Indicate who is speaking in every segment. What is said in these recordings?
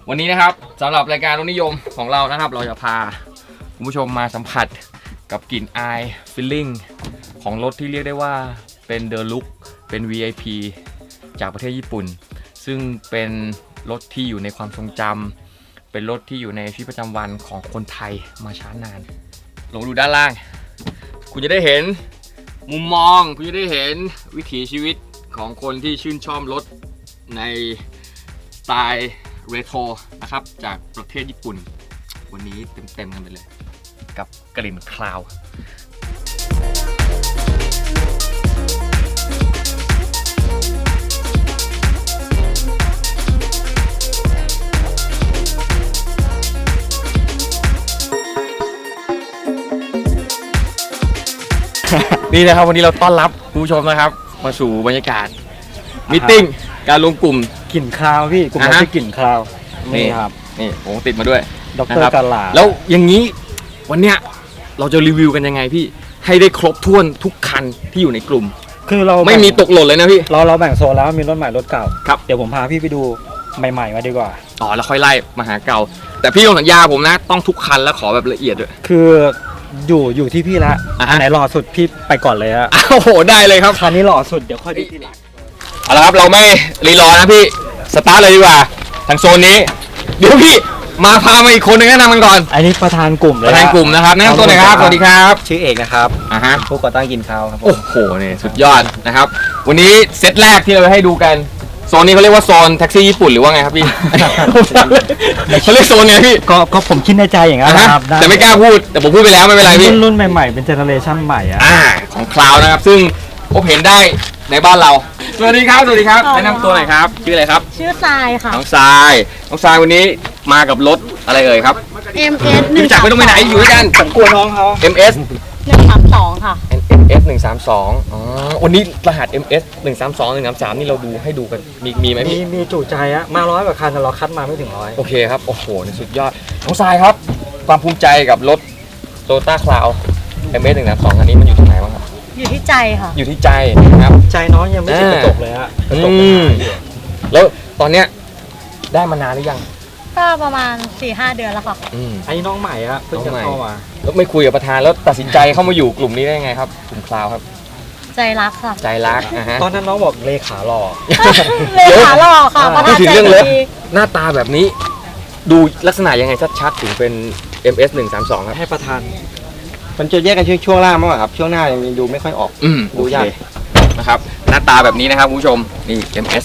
Speaker 1: วันนี้นะครับสำหรับรายการรถนิยมของเรานะครับเราจะพาคุณผู้ชมมาสัมผัสกับกลิ่นอายฟีลลิ่งของรถที่เรียกได้ว่าเป็นเดอะลุคเป็น VIP จากประเทศญี่ปุ่นซึ่งเป็นรถที่อยู่ในความทรงจำเป็นรถที่อยู่ในชีวิตประจำวันของคนไทยมาช้านานลงดูด้านล่างคุณจะได้เห็นมุมมองคุณจะได้เห็นวิถีชีวิตของคนที่ชื่นชอบรถในสไตล์เรโทรนะครับจากประเทศญี่ปุ่นวันนี้เต็มกันไปเลยกับกลิ่นคลาวนี่นะครับวันนี้เราต้อนรับผู้ชมนะครับมาสู่บรรยากาศมีตติ้งการรวมกลุ่ม
Speaker 2: กลิ่นคาวพี่กลุ่มเราชื่อกลิ่นคาวนี่ครับ
Speaker 1: นี่ผมติดมาด้วย
Speaker 2: ดร.กาลา
Speaker 1: แล้วอย่างนี้วันเนี้ยเราจะรีวิวกันยังไงพี่ให้ได้ครบถ้วนทุกคันที่อยู่ในกลุ่ม
Speaker 2: คือเรา
Speaker 1: ไม่มีตกหล่นเลยนะพี่
Speaker 2: เราแบ่งโซนแล้วมีรถใหม่รถเก่า
Speaker 1: ครับ
Speaker 2: เดี๋ยวผมพาพี่ไปดูใหม่ๆมาดีกว่า
Speaker 1: ต่อแล้วค่อยไล่มาหาเก่าแต่พี่ต้องสัญญาผมนะต้องทุกคันแล้วขอแบบละเอียดด้วย
Speaker 2: คืออยู่ที่พี่ละอันไหนหล่อสุดพี่ไปก่อนเลยฮะ
Speaker 1: โอ้โหได้เลยครับ
Speaker 2: คันนี้หล่อสุดเดี๋ยวค่อยดูทีหลัง
Speaker 1: เอาละครับเราไม่รีรอนะพี่สตาร์ทเลยดีกว่าทางโซนนี้เดี๋ยวพี่มาพามาอีกคนนึงแนะนำกันก่อน
Speaker 2: อันนี้ประธานกลุ่มเลย
Speaker 1: ประธานกลุ่มนะครับแนะนำตัวหน่อยครับสวัสดีครับ
Speaker 2: ชื่อเอกนะครับผู้ก่อตั้งกินข้าวครับ
Speaker 1: โอ้โหนี่สุดยอดนะครับวันนี้เซตแรกที่เราจะให้ดูกันโซนนี้เขาเรียกว่าโซนแท็กซี่ญี่ปุ่นหรือว่าไงครับพี่เขาเรียกโซนไงพี่
Speaker 2: ก็ผมคิดในใจอย่างนั้นครับ
Speaker 1: แต่ไม่กล้าพูดแต่ผมพูดไปแล้วไม่เป็นไรพี่
Speaker 2: รุ่นใหม่ๆเป็นเจเนอเรชั่นใหม่
Speaker 1: ของคลาวนะครับซึ่งพบเห็นได้ในบ้านเราสวัสดีครับสวัสดีครับแนะนำตัวหน่อยครับชื่ออะไรครับ
Speaker 3: ชื่อทรายค่ะ
Speaker 1: น้องทรายวันนี้มากับรถอะไรเอ่ยครับ
Speaker 3: MS
Speaker 1: 1จากไม่ต้องไปไหนอยู่ด้วยกัน
Speaker 2: ผมกลัวน้องเขา
Speaker 1: MS
Speaker 3: 132ค่ะ
Speaker 1: MS 132อ๋อวันนี้รหัส MS 132 133นี่เราดูให้ดูกันมีไหม
Speaker 2: มีจุใจอะมา100กว่าคันแต่เราคัดมาไม่ถึง100
Speaker 1: โอเคครับโอ้โหนี่สุดยอดน้องทรายครับความภูมิใจกับรถ Toyota Cloud MS 132คันนี้มันอยู่ตรงไหนบ้างครับ
Speaker 3: อยู่ที่ใจค่ะ
Speaker 1: อยู่ที่ใจนะครับ
Speaker 2: ใจน้องยังไม่ติดกระจกเลยฮะกระจก
Speaker 1: แล้วตอนเนี้ยได้มานานหรือยัง
Speaker 3: ก็ประมาณ 4-5 เดือนแล้วค่ะ
Speaker 2: อันนี้น้องใหม่อะเพิ่งจะเข้ามา
Speaker 1: แล้วไม่คุยกับประธานแล้วตัดสินใจเข้ามาอยู่กลุ่มนี้ได้ไงครับกลุ่มคลาวครับ
Speaker 3: ใจรักค่ะ
Speaker 1: ใจรัก
Speaker 2: ตอนนั้นน้องบอกเลขาหล่อ
Speaker 3: เลขาหล่อค่ะ
Speaker 1: พูดถึงเรื่องรถหน้าตาแบบนี้ดูลักษณะยังไงชัดๆถึงเป็น MS 132ครับ
Speaker 2: ให้ประธาน
Speaker 4: มันจะแยกกันช่วงล่างมากกว่าครับช่วงหน้ายังดูไม่ค่อยออก
Speaker 1: ดูยากนะครับหน้าตาแบบนี้นะครับคุณผู้ชมนี่ MS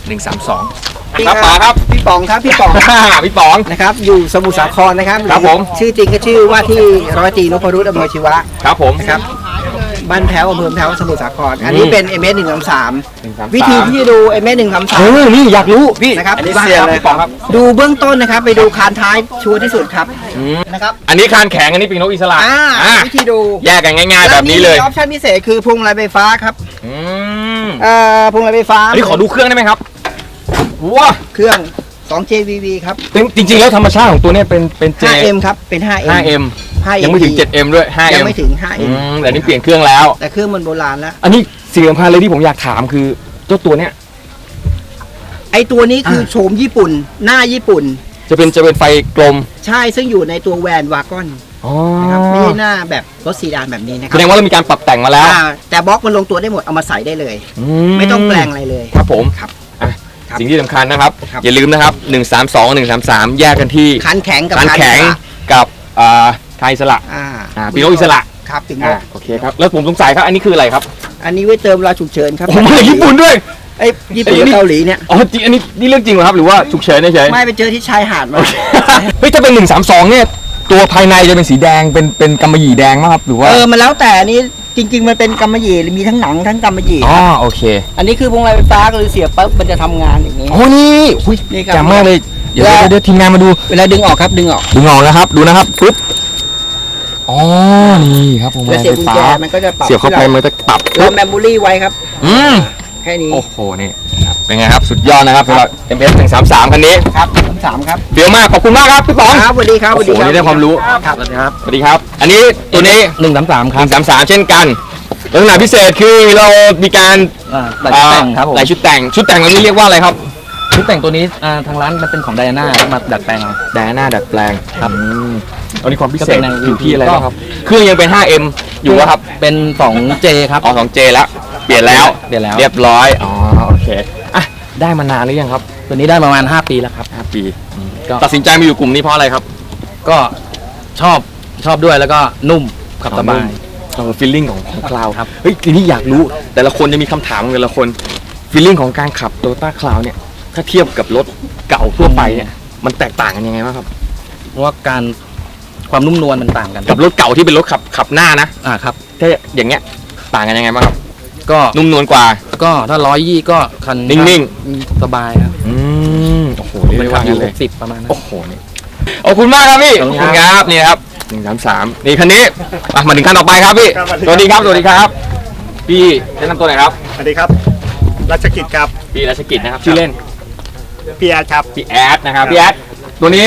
Speaker 1: 132ครับป๋าครับ
Speaker 4: พี่ป๋องครับพี่ป๋อง
Speaker 1: พี่ป๋อง
Speaker 4: นะครับอยู่สมุทรสาครนะครับ
Speaker 1: ครับผม
Speaker 4: ชื่อจริงก็ชื่อว่าที่ร้อยตรีนพรุษอำเภอชีวะ
Speaker 1: ครับผม
Speaker 4: ครับบ้านแพ้วอำเภอแพ้วสมุทรสาครอันนี้เป็น MS 133วิธีที่ดู MS 133
Speaker 1: นี่อยากรู้พี่
Speaker 4: นะครับ
Speaker 1: อันนี้เซียนเลยครับ
Speaker 4: ดูเบื้องต้นนะครับไปดูคานท้ายชัวร์ที่สุดครับนะครับ
Speaker 1: อันนี้คานแข็งอันนี้ปีกนกอิสระ
Speaker 4: วิธีดู
Speaker 1: แยกกันง่ายๆแบบนี้เลย
Speaker 4: ออปชั่นพิเศษคือพวงมาลัยไฟฟ้าครับพวงมาลัยไฟฟ้า
Speaker 1: อันนี้ขอดูเครื่องได้ไหมครับว้า
Speaker 4: เครื่อง2 JVV ครับ
Speaker 1: จริงๆแล้วธรรมชาติของตัวนี้เป็น
Speaker 4: 5M ครับเป็น 5M
Speaker 1: ยังไม่ถึง 7M ด้วย 5M
Speaker 4: ยังไม่ถึง 5M
Speaker 1: แต่นี่เปลี่ยนเครื่องแล้ว
Speaker 4: แต่เครื่องมันโบราณแล้ว
Speaker 1: อันนี้สิ่งสำคัญเลยที่ผมอยากถามคือเจ้าตัวเนี้ย
Speaker 4: ไอตัวนี้คือโฉมญี่ปุ่นหน้าญี่ปุ่น
Speaker 1: จะเป็นไฟกลม
Speaker 4: ใช่ซึ่งอยู่ในตัวแวนวากอนนะครับไม่ใช่หน้าแบบรถซีดานแบบนี้นะครับ
Speaker 1: แสดงว่าเรามีการปรับแต่งมาแล้ว
Speaker 4: แต่บล็อกมันลงตัวได้หมดเอามาใส่ได้เลยไม่ต้องแปลงอะไรเลย
Speaker 1: ครับผมครับสิ่งที่สำคัญนะครับอย่าลืมนะครับ132 133แยกกันที่
Speaker 4: คันแข็งกับ
Speaker 1: คันแข็งกับคานอิสระปีกนกอิสระ
Speaker 4: ครับปีกนก
Speaker 1: โอเคครับแล้วผมสงสัยครับอันนี้คืออะไรครับ
Speaker 4: อันนี้ไว้เติมเวลาฉุกเฉินครับ
Speaker 1: ผมมาญี่ปุ่นด้วย
Speaker 4: ไอ้ญี่ปุ่นเกาหลีเนี่ย
Speaker 1: อ๋อจริงอันนี้เรื่องจริงเหรอครับหรือว่าฉุกเฉินเฉย
Speaker 4: ไม่ไปเจอที่ชายหาดมา
Speaker 1: เฮ้ยถ้าเป็น132เนี่ยตัวภายในจะเป็นสีแดงเป็นกำมะหยี่แดงมั้งครับหรือว่า
Speaker 4: มันแล้วแต่อันนี้จริงๆมันเป็นกำมะหยี่มีทั้งหนังทั้งกำมะหยี่
Speaker 1: โอเค
Speaker 4: อันนี้คือพวงมาลัยไฟฟ้าก็คือเสียบปั๊บมันจะทำงานอย่างนี้
Speaker 1: โอ้นี่แจ่มมากเลยเดี๋ยวทีมงานมาดู
Speaker 4: เวลาดึงออกครับดึงออก
Speaker 1: นะครับดูนะครับปึ๊บนี่ครับพวงมาลัยไฟฟ้า
Speaker 4: มันก็จะปรับ
Speaker 1: เสียบเข้าไปมันจะปรับ
Speaker 4: เราแมมโมรี่ไว้ครับแค่นี้
Speaker 1: โอ้โหนี่เป็นไงครับสุดยอดนะครับสำหรับ MS 133คันนี้
Speaker 4: ครับ133ครับ
Speaker 1: เดี๋ยวมากขอบคุณมากครับพี่ป๋อง
Speaker 4: ครับสวัสดีครับ
Speaker 1: สวัสดีครับได้ความรู้
Speaker 4: ครับสวัสดีครับ
Speaker 1: สวัสดีครับอันนี้ตัวนี้
Speaker 2: 133ครับ
Speaker 1: 133เช่นกันลักษณะพิเศษคือเรามีการ
Speaker 2: แต่งครับผม
Speaker 1: ชุดแต่งแบบนี้เรียกว่าอะไรครับ
Speaker 5: ชุดแต่งตัวนี้ทางร้านมันเป็นของไดอาน่ามาดัดแปลงเอา
Speaker 1: ไดอาน่าดัดแปลง
Speaker 5: ครับ
Speaker 1: อันนี้ความพิเศษ
Speaker 5: ก็เป็นแนว
Speaker 1: อยู่ที่อะไร
Speaker 5: ก็
Speaker 1: บ้างครับ เครื่องยังเป็น 5M อยู่อะครับ
Speaker 5: เป็น 2J ครับ
Speaker 1: อ๋อ 2J แล้ว เปลี่ยนแล้ว
Speaker 5: เปลี่ยนแล้ว
Speaker 1: เรียบร้อย อ๋อ โอเค อ่ะ ได้มานานหรือยังครับ
Speaker 5: ตัวนี้ได้ประมาณ 5 ปีแล้วครับ
Speaker 1: 5 ปี
Speaker 5: ก็
Speaker 1: ตัดสินใจมาอยู่กลุ่มนี้เพราะอะไรครับ
Speaker 5: ก็ชอบด้วยแล้วก็นุ่มขับสบาย
Speaker 1: ฟีลลิ่งของคลาว
Speaker 5: ครับ
Speaker 1: เฮ้ยทีนี้อยากรู้ แต่ละคนจะมีคำถามของแต่ละคนฟีลลิ่งของการขับโตโยต้าคลาวเนี่ย ถ้าเทียบกับรถเก่าทั่วไปเนี่ย มันแตกต่างกันยังไงบ้างครับ
Speaker 5: เพราะว่าความนุ่มนวลมันต่างกัน
Speaker 1: กับรถเก่าที่เป็นรถขับหน้านะ
Speaker 5: ครับ
Speaker 1: ถ้าอย่างเงี้ย ต่างกันยังไงบ้างครับ
Speaker 5: ก็
Speaker 1: นุ่มนวลกว่า
Speaker 5: ถ้า120ก็คัน
Speaker 1: นิ่ง
Speaker 5: สบายครับ
Speaker 1: โอ้โห
Speaker 5: มัน
Speaker 1: เรียก
Speaker 5: ขั
Speaker 1: ว่า
Speaker 5: บอ
Speaker 1: งั้
Speaker 5: ยู่
Speaker 1: นเลย
Speaker 5: 60ประมาณนั้น
Speaker 1: โอ้โหนี่ขอบคุณมากครับพี่
Speaker 5: ขอบคุณ
Speaker 1: ครับนี่ครับ133นี่คันนี้มาถึงคันต่อไปครับพี่
Speaker 6: ครับ
Speaker 1: สวัสดีครับสวัสดีครับพี่แนะนำตัวหน่อยครับ
Speaker 6: สวัสดีครับรัชกิจครับ
Speaker 1: พี่รัชกิจนะครับชื่อเล่น
Speaker 6: พี่แอดครับ
Speaker 1: พี่แอดนะครับพี่แอดตัวนี้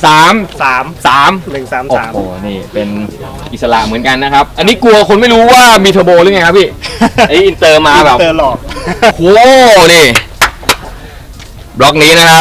Speaker 1: 133 โอ้โหนี่เป็นอิสระเหมือนกันนะครับ อันนี้กลัวคนไม่รู้ว่ามีเทอร์โบหรือไงครับพี่ ไออินเตอร์มาแบบ
Speaker 6: เตอร์หลอก
Speaker 1: โอ้โหนี่บล็อกนี้นะครับ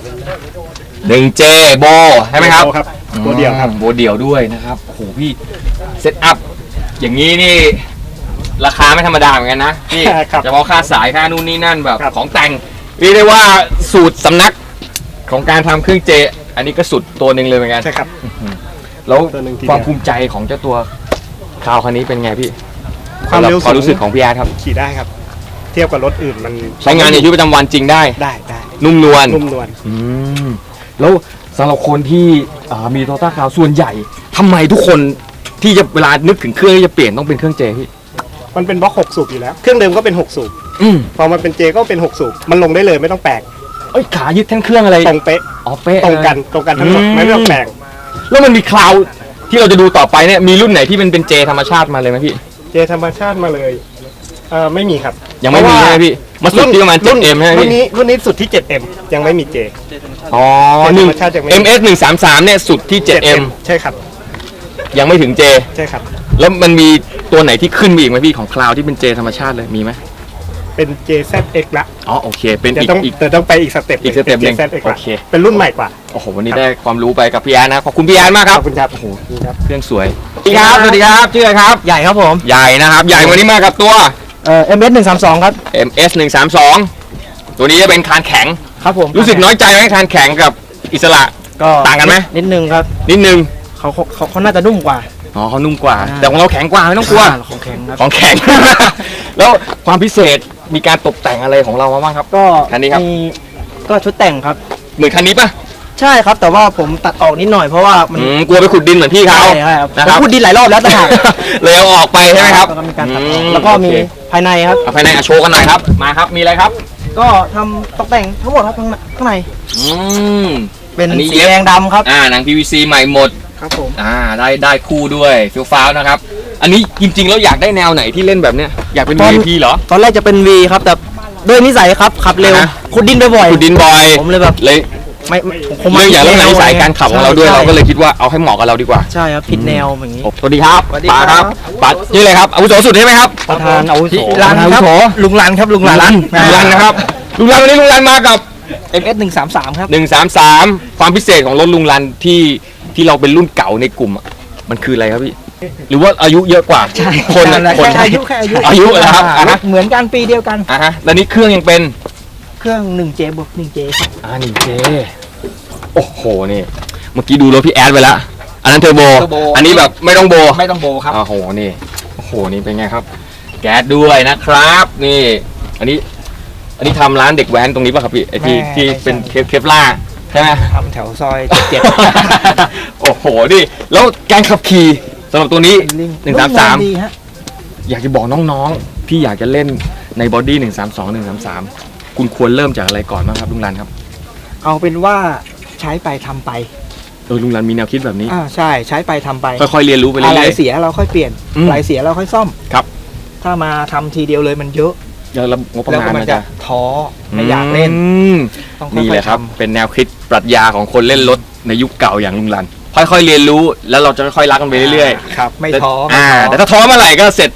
Speaker 1: 1J โบใช่ไหมครับ
Speaker 6: ครับตัวเดียวครับ
Speaker 1: โบเดี่ยวด้วยนะครับโอ้โหพี่เซตอัพอย่างนี้นี่ราคาไม่ธรรมดาเหมือนกันนะพี่
Speaker 6: ครับ
Speaker 1: เฉพาะค่าสายค่านู่นนี่นั่นแบบ
Speaker 6: ครับ
Speaker 1: ของแต่งเรียกได้ว่าสูตรสำนักของการทำเครื่องเจ อันนี้ก็สุดตัวหนึ่งเลยเหมือนกัน
Speaker 6: ใช่ครับ
Speaker 1: แล้ว
Speaker 6: ตัวหนึ่งทีเดียว
Speaker 1: ความภูมิใจของเจ้าตัวคราวคันนี้เป็นไงพี่
Speaker 6: ความเร็ว
Speaker 1: ความรู้สึกของพี่แอดครับ
Speaker 6: ขี่ได้ครับ เทียบกับรถอื่นมัน
Speaker 1: ใช้งานในชีวิตประจำวันจริงได้
Speaker 6: ได้
Speaker 1: นุ่มนวล
Speaker 6: นุ่มนวล
Speaker 1: แล้วสำหรับคนที่มีโตต้าคาวส่วนใหญ่ทำไมทุกคนที่จะเวลานึกถึงเครื่องที่จะเปลี่ยนต้องเป็นเครื่องเจพี่
Speaker 6: มันเป็นบล็อก6สูบอยู่แล้ว เครื่องเดิมก็เป็น6สูบ
Speaker 1: อืม
Speaker 6: พอมันเป็นเจก็เป็น6สูบมันลงได้เลยไม่ต้องแปลง
Speaker 1: เอ้ยขายึดทั้งเครื่องอะไร
Speaker 6: ตรงเป๊ะ
Speaker 1: อ๋อเป๊ะ
Speaker 6: ตรงกันทั้งหมดไม่ต้องแปลง
Speaker 1: แล้วมันมีคลาวด์ที่เราจะดูต่อไปเนี่ยมีรุ่นไหนที่มันเป็นเจธรรมชาติมาเลยไหมพี่
Speaker 6: เจธรรมชาติมาเลยไม่มีครับ
Speaker 1: ยังไม่มีใช่ไหมพี่มาสุดที่ประมาณ 7M ใช่ไหม
Speaker 6: รุ่น
Speaker 1: พี่
Speaker 6: นี้รุ่นนี้สุดที่ 7M ยังไม่มีเจ
Speaker 1: อ๋อ
Speaker 6: เจ
Speaker 1: หนึ่ง
Speaker 6: ธรรมชาติยังไม่
Speaker 1: MS 133เนี่ยสุดที่ 7M
Speaker 6: ใช่ครับ
Speaker 1: ยังไม่ถึงเจ
Speaker 6: ใช่ครับ
Speaker 1: แล้วมันมีตัวไหนที่ขึ้นมาอีกไหมพี่ของคลาวด์ที่เป็นเจธรรมชาติเลยมีไหม
Speaker 6: เป็น JZX ละ
Speaker 1: อ๋อโอเคเป็น
Speaker 6: แต่
Speaker 1: อีก
Speaker 6: ต้องไปอีกสเต็ป
Speaker 1: อีกสเต็ปหนึ่ง
Speaker 6: ป็ JZX
Speaker 1: โอ
Speaker 6: ละ
Speaker 1: เค
Speaker 6: เป็นรุ่นใหม่กว่า
Speaker 1: โอ้โหวันนี้ได้ความรู้ไปกับพี่แอนนะขอบคุณพี่แอนมากค
Speaker 6: ข
Speaker 1: รับ
Speaker 6: อบคุณครับ
Speaker 1: โอ้โหเครื่องสวยสวัสดีครับสวัสดีครับชื่ออะไรครับ
Speaker 4: ใหญ่ครับผม
Speaker 1: ใหญ่นะครับใหญ่วันนี้มากับตัว
Speaker 4: MS 132ครับ
Speaker 1: MS 132ตัวนี้จะเป็นคานแข็ง
Speaker 4: ครับผม
Speaker 1: รู้สึกน้อยใจไหมคานแข็งกับอิสระ
Speaker 4: ก็
Speaker 1: ต่างกันไหม
Speaker 4: นิดนึงครับ
Speaker 1: นิดนึง
Speaker 4: เขาน่าจะนุ่มกว่า
Speaker 1: อ๋อเขานุ่มกว่า
Speaker 4: อ่า
Speaker 1: แต่ของเราแข็งกว่าไม่ต้องกลัว
Speaker 4: ของแข็งครับ
Speaker 1: ของแข็ง แล้วความพิเศษมีการตกแต่งอะไรของเรามาบ้างครับ
Speaker 4: ก็
Speaker 1: คันนี้ครับ
Speaker 4: มีก็ชุดแต่งครับ
Speaker 1: เหมือนคันนี้ปะ
Speaker 4: ใช่ครับแต่ว่าผมตัดออกนิดหน่อยเพราะว่ามัน
Speaker 1: กลัวไปขุดดินเหมือนพี่เขา
Speaker 4: ใช่ครับ
Speaker 1: นะ
Speaker 4: ผ
Speaker 1: ค
Speaker 4: ม
Speaker 1: รับ
Speaker 4: พูดดีหลายรอบแล้วต่างหาก
Speaker 1: เลยเอาออกไปใช่ไหมครับ
Speaker 4: แล้วก็มีการตัดออก
Speaker 1: อืม
Speaker 4: แล้วก็มี
Speaker 1: โอเค
Speaker 4: ภายในครับ
Speaker 1: เอาภายในโชว์กันหน่อยครับมาครับมีอะไรครับ
Speaker 4: ก็ทำตกแต่งทั้งหมดครับข้างใน
Speaker 1: อืม
Speaker 4: เป็น
Speaker 1: อันนี้
Speaker 4: สี
Speaker 1: เย็บ
Speaker 4: แดงดำครับ
Speaker 1: หนัง PVC ใหม่หมด
Speaker 4: ครับผม
Speaker 1: ได้คู่ด้วยฟิลฟ้าวนะครับ อันนี้จริงๆแล้วอยากได้แนวไหนที่เล่นแบบเนี้ยอยากเป็น VIP เหรอ
Speaker 4: ตอนแรกจะเป็น V ครับแต่ด้วยนิสัยครับขับเร็ว
Speaker 1: อ่าฮะ
Speaker 4: ขุดดินบ่อย
Speaker 1: ขุดดินบ่อย
Speaker 4: ผมเลยแบบ
Speaker 1: เลย
Speaker 4: ไม่ผม
Speaker 1: เรื่องอย่างเรื่องนิสัยการขับของเราด้วย
Speaker 4: ใช่
Speaker 1: เราก็เลยคิดว่าเอาให้เหมาะกับเราดีกว่า
Speaker 4: ใช่ครับผิดแนวอย่างนี้
Speaker 1: สวัสดีครับ
Speaker 4: สวัสดี
Speaker 1: ป๋า
Speaker 4: ครับ
Speaker 1: ป๋าชื่ออะไรครับอาวุโสสุดใช่ไหมครับ
Speaker 4: ประธานอาวุโส
Speaker 1: รันครับ
Speaker 4: ลุงรันครับลุงรัน
Speaker 1: ลุงรันนะครับลุงรันวันนี้ลุงรันมากับ
Speaker 4: MS 133ครับ
Speaker 1: 133ความพิเศษของรถลุงรันที่เราเป็นรุ่นเก่าในกลุ่มอะมันคืออะไรครับพี่หรือว่าอายุเยอะกว่า
Speaker 4: ใช่
Speaker 1: คนอะ
Speaker 4: แค่อายุ
Speaker 1: อายุเหรอครับอ่ะฮะ
Speaker 4: เหมือนกันปีเดียวกัน
Speaker 1: ฮะแล้วนี่เครื่องยังเป็น
Speaker 4: เครื่อง 1J บวก 1J ครับ
Speaker 1: นี่เจโอ้โหนี่เมื่อกี้ดูรถพี่แอดไปแล้วอันนั้นเทอร์โบ
Speaker 4: เทอร์โบ
Speaker 1: อันนี้แบบไม่ต้องโบ
Speaker 4: ไม่ต้องโบครับ
Speaker 1: โอ้โหนี่โอ้โหนี่เป็นไงครับ แก๊สด้วยนะครับ นี่ อันนี้ทำร้านเด็กแว้นตรงนี้ป่ะครับพี่ไอที่เป็นเคปล่าใช่ไหม
Speaker 4: ทำแถวซอย7
Speaker 1: โอ้โหนี่แล้วการขับขี่สำหรับตัวนี้ 133
Speaker 4: ดีฮะ
Speaker 1: อยากจะบอกน้องๆที่อยากจะเล่นในบอดี้132 133คุณควรเริ่มจากอะไรก่อนบ้างครับลุงรันครับ
Speaker 4: เอาเป็นว่าใช้ไปทำไป
Speaker 1: ลุงรันมีแนวคิดแบบนี้
Speaker 4: ใช่ใช้ไปทำไป
Speaker 1: ค่อยๆเรียนรู้ไป
Speaker 4: อะไร
Speaker 1: เรื่อย
Speaker 4: เสียเราค่อยเปลี่ยน
Speaker 1: อืม
Speaker 4: อะไรเสียเราค่อยซ่อม
Speaker 1: ครับ
Speaker 4: ถ้ามาทำทีเดียวเลยมันเยอะ
Speaker 1: ๆแล้วงบประ
Speaker 4: แล้ว
Speaker 1: มา
Speaker 4: ก็
Speaker 1: ณ
Speaker 4: มั
Speaker 1: มัน น
Speaker 4: จะ
Speaker 1: จะ
Speaker 4: ท้อไม่อยากเล่น
Speaker 1: ม
Speaker 4: ต้องค่อยๆ
Speaker 1: นี่แหละครับ
Speaker 4: ทำ
Speaker 1: เป็นแนวคิดปรัชญาของคนเล่นรถในยุคเก่าอย่างลุงรัน ค่อยๆเรียนรู้แล้วเราจะค่อยๆรักกันไปเรื่อย
Speaker 4: ครับไม่
Speaker 1: ๆ
Speaker 4: ท้อ
Speaker 1: แต่ถ้าท้อเมื่อไหร่ก็เสร็จ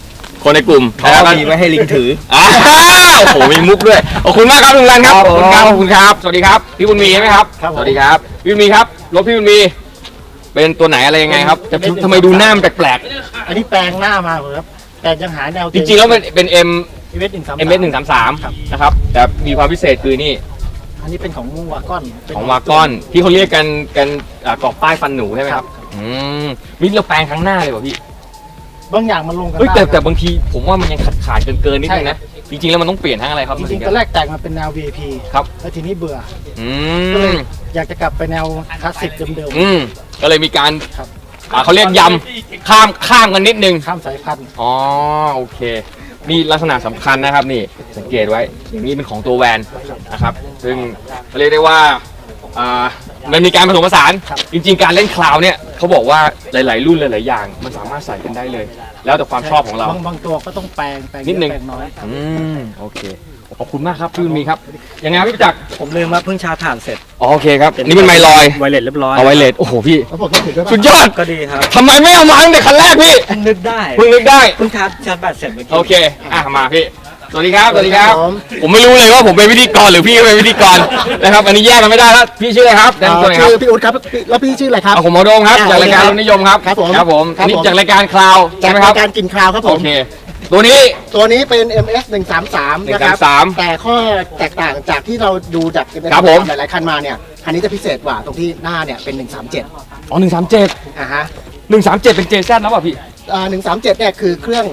Speaker 1: คนในกลุ่ม
Speaker 2: เขามีไว้ให้ลิงถือ
Speaker 1: อ้าวโอ้โหมีมุกด้วยขอบคุณมากครับลุงรันครับขอบคุณครับขอบคุณครับสวัสดีครับพี่บุญมีใช่ไหมครับสวัสดีครับพี่บุญมีครับรถพี่บุญมีเป็นตัวไหนอะไรยังไงครับแต่ทำไมดูหน้ามันแปลก
Speaker 7: อันนี้แปลงหน้ามาครับ แต่ยังหาแนว
Speaker 1: ๆจริงๆแล้วเป็น M
Speaker 7: เอเวส133
Speaker 1: 133นะครับแต่มีความพิเศษคือนี่
Speaker 7: อันนี้เป็นของวากอนเป็น
Speaker 1: ของวากอนที่เขาเรียกกันกรอบป้ายฟันหนูใช่ไหมครับมีเราแปลงครั้งหน้าเลยป่ะพี่
Speaker 7: บางอย่างมันลงกัน
Speaker 1: เฮ้ย
Speaker 7: ได้
Speaker 1: แต่บางทีผมว่ามันยังขาดเกินนิดนึงนะจริงๆแล้วมันต้องเปลี่ยนทั้งอะไรครับ
Speaker 7: จริงๆตอนแรกแต่งมาเป็นแนว VIP
Speaker 1: ครับ
Speaker 7: แล้วทีนี้เบื่อ
Speaker 1: อื
Speaker 7: ก็เลย
Speaker 1: ม
Speaker 7: อยากจะกลับไปแนวคลาสสิกเดิม
Speaker 1: ก็เลยมีการ
Speaker 7: ครับ
Speaker 1: เขาเรียกยำข้ามกันนิดนึง
Speaker 7: ๆข้ามสายพันธุ์
Speaker 1: อ๋อโอเคนี่ลักษณะสำคัญนะครับนี่สังเกตไว้อย่างนี้เป็นของตัวแวนนะครับซึ่งเรียกได้ว่ามันมีการผสมผสานจริงๆการเล่นคลาวเนี่ยเขาบอกว่าหลายๆรุ่นหลายๆอย่างมันสามารถใส่กันได้เลย แล้วแต่ความชอบของเรา
Speaker 7: บางตัวก็ต้องแปลงเยอะ
Speaker 1: นิดนึง
Speaker 7: แปลงน้อย
Speaker 1: โอเคขอบคุณมากครับพี่บุญมีครับยังไงครับพี่ประจักษ์
Speaker 2: ผมลืมว่าเพิ่งชาร์จถ่านเสร็จ
Speaker 1: อ๋อโอเคครับนี่เป็นไมลอย
Speaker 2: ไวเลสเรียบร้อย
Speaker 1: เอาไวเลสโอ้โหพี่
Speaker 7: แล้วผมก็ถือด้วย
Speaker 1: สุดยอด
Speaker 2: ก็ดีครับ
Speaker 1: ทำไมไม่เอามาตั้งแต่คันแรกพี่
Speaker 2: เพิ่งนึกได้
Speaker 1: เพิ่งนึกได้
Speaker 2: เพิ่งชาร์จแบตเสร็จเมื่อกี้
Speaker 1: โอเคมาพี่สวัสดีครับสวัสดีครับ ผมไม่รู้เลยว่าผมเป็นพิธีกรหรือพี่เป็นพิธีกรนะครับอันนี้แยกกันไม่ได้แล้วพี่ชื่ออะไรครับแนะนำตัวหน่อยครับ
Speaker 7: ชื่อพี่อุ๊ดครับแล้วพี่ชื่ออะไรครับ
Speaker 1: ผมหมอโดมครับจากรายการรถนิยมครับ
Speaker 7: ครับผม
Speaker 1: ครับผม
Speaker 7: ครับผม
Speaker 1: อันนี้จากรายการคลาวใช่
Speaker 7: จาก
Speaker 1: ไหมค
Speaker 7: รา
Speaker 1: รับ
Speaker 7: ยการกินคราวครับผ
Speaker 1: โอ
Speaker 7: ม
Speaker 1: เคตัวนี้
Speaker 7: ตัวนี้เป็น MS 133นะครับ
Speaker 1: 133
Speaker 7: แต่ข้อแตกต่างจากที่เราดูจาก MS
Speaker 1: ครับผม
Speaker 7: หลายๆคันมาเนี่ยคันนี้จะพิเศษกว่าตรงที่หน้าเนี่ยเป็น 137
Speaker 1: อ๋อ137
Speaker 7: อ่าฮะ
Speaker 1: 137เป็น JZ แล้วป่ะพี่
Speaker 7: 137เนี่ยคือเครื่อง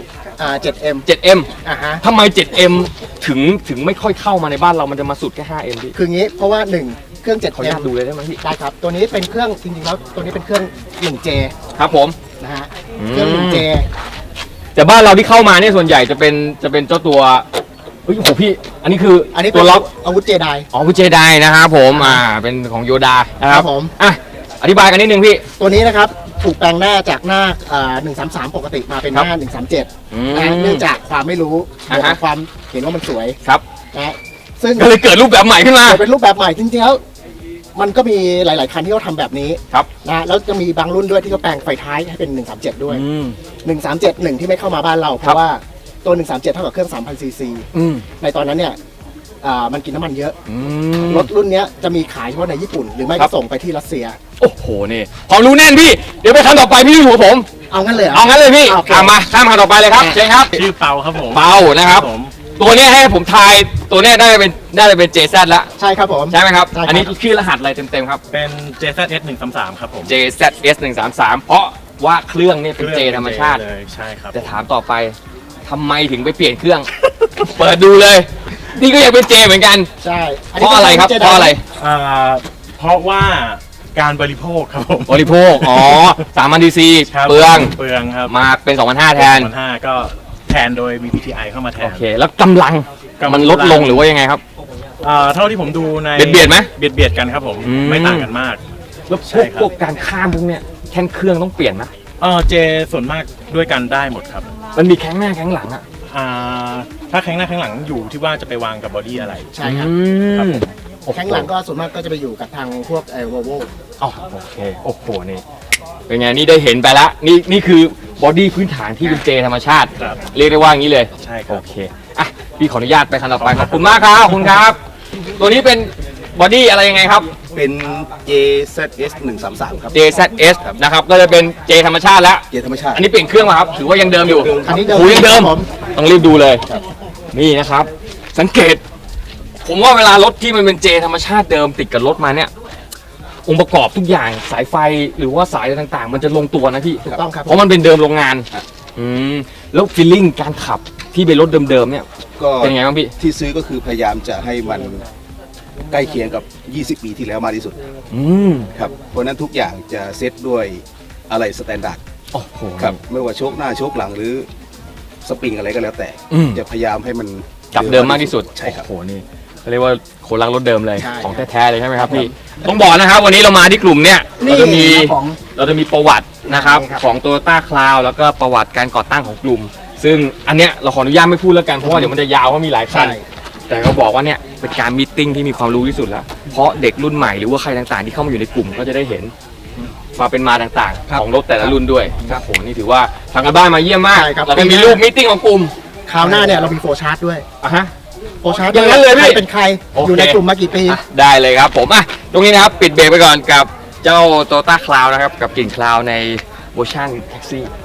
Speaker 7: 7M
Speaker 1: 7M
Speaker 7: อ่าฮะ
Speaker 1: ทำไม 7M ถึงไม่ค่อยเข้ามาในบ้านเรามันจะมาสุดแค่ 5M พี่
Speaker 7: คืองี้เพราะว่า 1 เครื่อง
Speaker 1: ขออนุญาต
Speaker 7: 7M
Speaker 1: ดูเลยได้ไหมพี่
Speaker 7: ได้ครับ ตัวนี้เป็นเครื่องจริงๆแล้วตัวนี้เป็นเครื่อง 1J
Speaker 1: ครับผม
Speaker 7: นะฮะเครื่อง 1J
Speaker 1: แต่บ้านเราที่เข้ามาเนี่ยส่วนใหญ่จะเป็นเจ้าตัวเฮ้ยโอ้โหพี่ อันนี้คือ
Speaker 7: อันนี้
Speaker 1: ตั
Speaker 7: เป็น
Speaker 1: วล็อก
Speaker 7: อาวุธเจได
Speaker 1: อ๋อคุณเจไดนะครับผมเป็นของโยดานะค
Speaker 7: ค
Speaker 1: รั
Speaker 7: รั
Speaker 1: บบ
Speaker 7: ผม
Speaker 1: อธิบายกันนิดนึงพี่
Speaker 7: ตัวนี้นะครับถูกแปลงหน้าจากหน้า133 ปกติมาเป็นหน้า 137นะเนื่องจากความไม่รู้
Speaker 1: อ่าฮะ
Speaker 7: ความเห็นว่ามันสวย
Speaker 1: ครับ
Speaker 7: นะซึ่ง
Speaker 1: ก็เลยเกิดรูปแบบใหม่ขึ้นมา
Speaker 7: เกิดเป็นรูปแบบใหม่จริงๆแล้วมันก็มีหลาย ๆ คันที่เขาทำแบบนี้
Speaker 1: ครับ
Speaker 7: นะแล้วจะมีบางรุ่นด้วยที่เขาแปลงไฟท้ายให้เป็น 137 ด้วย 137 ที่ไม่เข้ามาบ้านเรา เพ
Speaker 1: ครับ
Speaker 7: ราะว่าตัว 137 เท่ากับเครื่อง 3,000 ซีซี
Speaker 1: อืม
Speaker 7: ในตอนนั้นเนี่ยมันกินน้ำมันเยอะ
Speaker 1: อืม
Speaker 7: รถรุ่นเนี้ยจะมีขายเฉพาะในญี่ปุ่น หรือไม่
Speaker 1: ครั
Speaker 7: ก็
Speaker 1: บ
Speaker 7: ส่งไปที่รัสเซีย
Speaker 1: โอ้โหนี่ความรู้แน่นพี่ เดี๋ยวไปคันต่อไปพี่อยู่กับผม
Speaker 7: เอางั้นเลยหร
Speaker 1: เอางั้นเลยพี่
Speaker 7: โอเค
Speaker 1: มาข้ามคันต่อไปเลยครับเชิญครับ
Speaker 6: ชื่อเปาครับผม
Speaker 1: เปานะครับ
Speaker 6: ผม
Speaker 1: ตัวเนี้ยให้ผมทายตัวเนี้ยได้เป็น JZ ละ
Speaker 7: ใช่ครับผม
Speaker 1: ใช่ไหมครับ
Speaker 7: ใช่ครับ
Speaker 1: อันนี้ชื่อรหัสอะไรเต็มๆครับ
Speaker 6: เป็น JZS 133ครับผม
Speaker 1: JZS 133เพราะว่าเครื่องเนี่ยเป็น J ธรรมชาติ
Speaker 6: เลยใช่ครับ
Speaker 1: จะถามต่อไปทำไมถึงไปเปลี่ยนเครื่อง เปิดดูเลย นี่ก็ยังเป็น J เหมือนกัน
Speaker 7: ใช่
Speaker 1: เพราะอะไรครับ เพราะอะไร
Speaker 6: เพราะว่าการบริโภคครับผม
Speaker 1: บริโภค อ๋อ3,000 cc
Speaker 6: ครับ
Speaker 1: เปลือง
Speaker 6: เปลืองครับ
Speaker 1: มาเป็น 2,500 แทน
Speaker 6: 2,500ก็แทนโดยมี PTI เข้ามาแท
Speaker 1: โอน เค แล้วกำลัง
Speaker 6: กำลัง
Speaker 1: มันลดลงหรือว่ายังไงครับ
Speaker 6: เท่าที่ผมดูใน
Speaker 1: เบียดไหม
Speaker 6: เบียดกันครับผม
Speaker 1: อืม
Speaker 6: ไม่ต่างกันมาก
Speaker 1: แล้ว
Speaker 6: ใช่ครับ
Speaker 1: พวกการข้ามพวกเนี้ยแข้งเครื่องต้องเปลี่ยนนะ
Speaker 6: เจส่วนมากด้วยกันได้หมดครับ
Speaker 1: มันมีแข้งหน้าแข้งหลังอะ
Speaker 6: ถ้าแข้งหน้าแข้งหลังอยู่ที่ว่าจะไปวางกับบอดี้อะไร
Speaker 7: ใช่ครับ
Speaker 6: ครับผม
Speaker 7: แข้งหลังก็ส่วนมากก็จะไปอยู่กับทางพวกวอลโว
Speaker 1: อ๋อโอเค โอ้โห นี่ เป็นไง นี่ได้เห็นไปละนี่คือบอดี้พื้นฐานที่เป็นเจธรรมชาติ
Speaker 6: ครับ
Speaker 1: เรียกได้ว่างี้เลย
Speaker 6: ใช่ครับ
Speaker 1: โอเค อ่ะ พี่ขออนุญาตไปคันต่อไป ขอบคุณมากครับ ขอบคุณครับ ตัวนี้เป็นบอดี้อะไรยังไงครับ
Speaker 8: เป็น JZS 133 ครับ
Speaker 1: JZS นะครับ ก็จะเป็นเจธรรมชาติแล้ว
Speaker 8: เกียร์ธรรมชาติ
Speaker 1: อันนี้เปลี่ยนเครื่องมาครับ ถือว่ายังเดิมอยู่
Speaker 7: อันนี้เดิม
Speaker 1: โอ้ยังเดิม
Speaker 7: ครับผม
Speaker 1: ต้องรีบดูเลย นี่นะครับ สังเกต ผมว่าเวลารถที่มันเป็นเจธรรมชาติเดิมติดกับรถมาเนี่ย องค์ประกอบทุกอย่างสายไฟหรือว่าสายอะไรต่างๆ มันจะลงตัวนะพี่
Speaker 7: ถูกต้องครับ
Speaker 1: เพราะมันเป็นเดิมโรงงานแล้วฟีลลิ่งการขับที่เป็นรถเดิมๆเนี่ย
Speaker 8: ก็
Speaker 1: เป็นไงบ้างพี่
Speaker 8: ที่ซื้อก็คือพยายามจะให้มันใกล้เคียงกับ 20 ปีที่แล้วมากที่สุด
Speaker 1: อืม
Speaker 8: ครับ เพราะฉะนั้นทุกอย่างจะเซตด้วยอะไรสแตนดาร์ด
Speaker 1: โอ้โห
Speaker 8: ครับ ไม่ว่าโชคหน้าโชคหลังหรือสปริงอะไรก็แล้วแต่
Speaker 1: อืม
Speaker 8: จะพยายามให้มัน
Speaker 1: กลับเดิมมากที่สุด
Speaker 8: ใช่ครับ
Speaker 1: โอ้โหนี่เขาเรียกว่าคนรักรถเดิมเลย
Speaker 7: ใช่
Speaker 1: ของแท้ๆเลยใช่ไหมครับพี่ต้องบอกนะครับวันนี้เรามาที่กลุ่มเนี่ยเราจะมี
Speaker 7: ของ
Speaker 1: ประวัตินะครับ
Speaker 7: ใช่ครับ
Speaker 1: ของ Toyota Cloud แล้วก็ประวัติการก่อตั้งของกลุ่ม ซึ่งอันเนี้ยเราขออนุญาตไม่พูดแล้วกันเพราะว่าเดี๋ยวมันจะยาวเพราะมีหลายคัน
Speaker 7: ใช่
Speaker 1: แต่ก็บอกว่าเนี่ยเป็นการมีตติ้งที่มีความรู้ที่สุดแล้ว เพราะเด็กรุ่นใหม่หรือว่าใครต่างๆที่เข้ามาอยู่ในกลุ่มก็จะได้เห็นความเป็นมาต่าง
Speaker 7: ครับ
Speaker 1: ๆ ของรถแต่ละรุ่นด้วยครับผมนี่ถือว่าทางการบ้านมาเยี่ยมมาก
Speaker 7: ใช่ครับ
Speaker 1: แล้วก็มีรูปมีตติ้งของกลุ่ม
Speaker 7: คราวหน้าเนี่ยเรามีโฟร์ชาร์ตด้วย
Speaker 1: อ่ะฮะ
Speaker 7: โฟร์ชาร์ต
Speaker 1: อย่างนั้นเลยพี่
Speaker 7: ใครเป็นใคร
Speaker 1: โอเค
Speaker 7: อยู่ในกลุ่มมากี่ปี
Speaker 1: อ่ะได้เลยครับผมอ่ะตรงนี้นะครับปิดเบรกไปก่อนกับเจ้า Toyota Cloud นะครับกับกลิ่นคลาวในเวอร์ชันแท็กซี่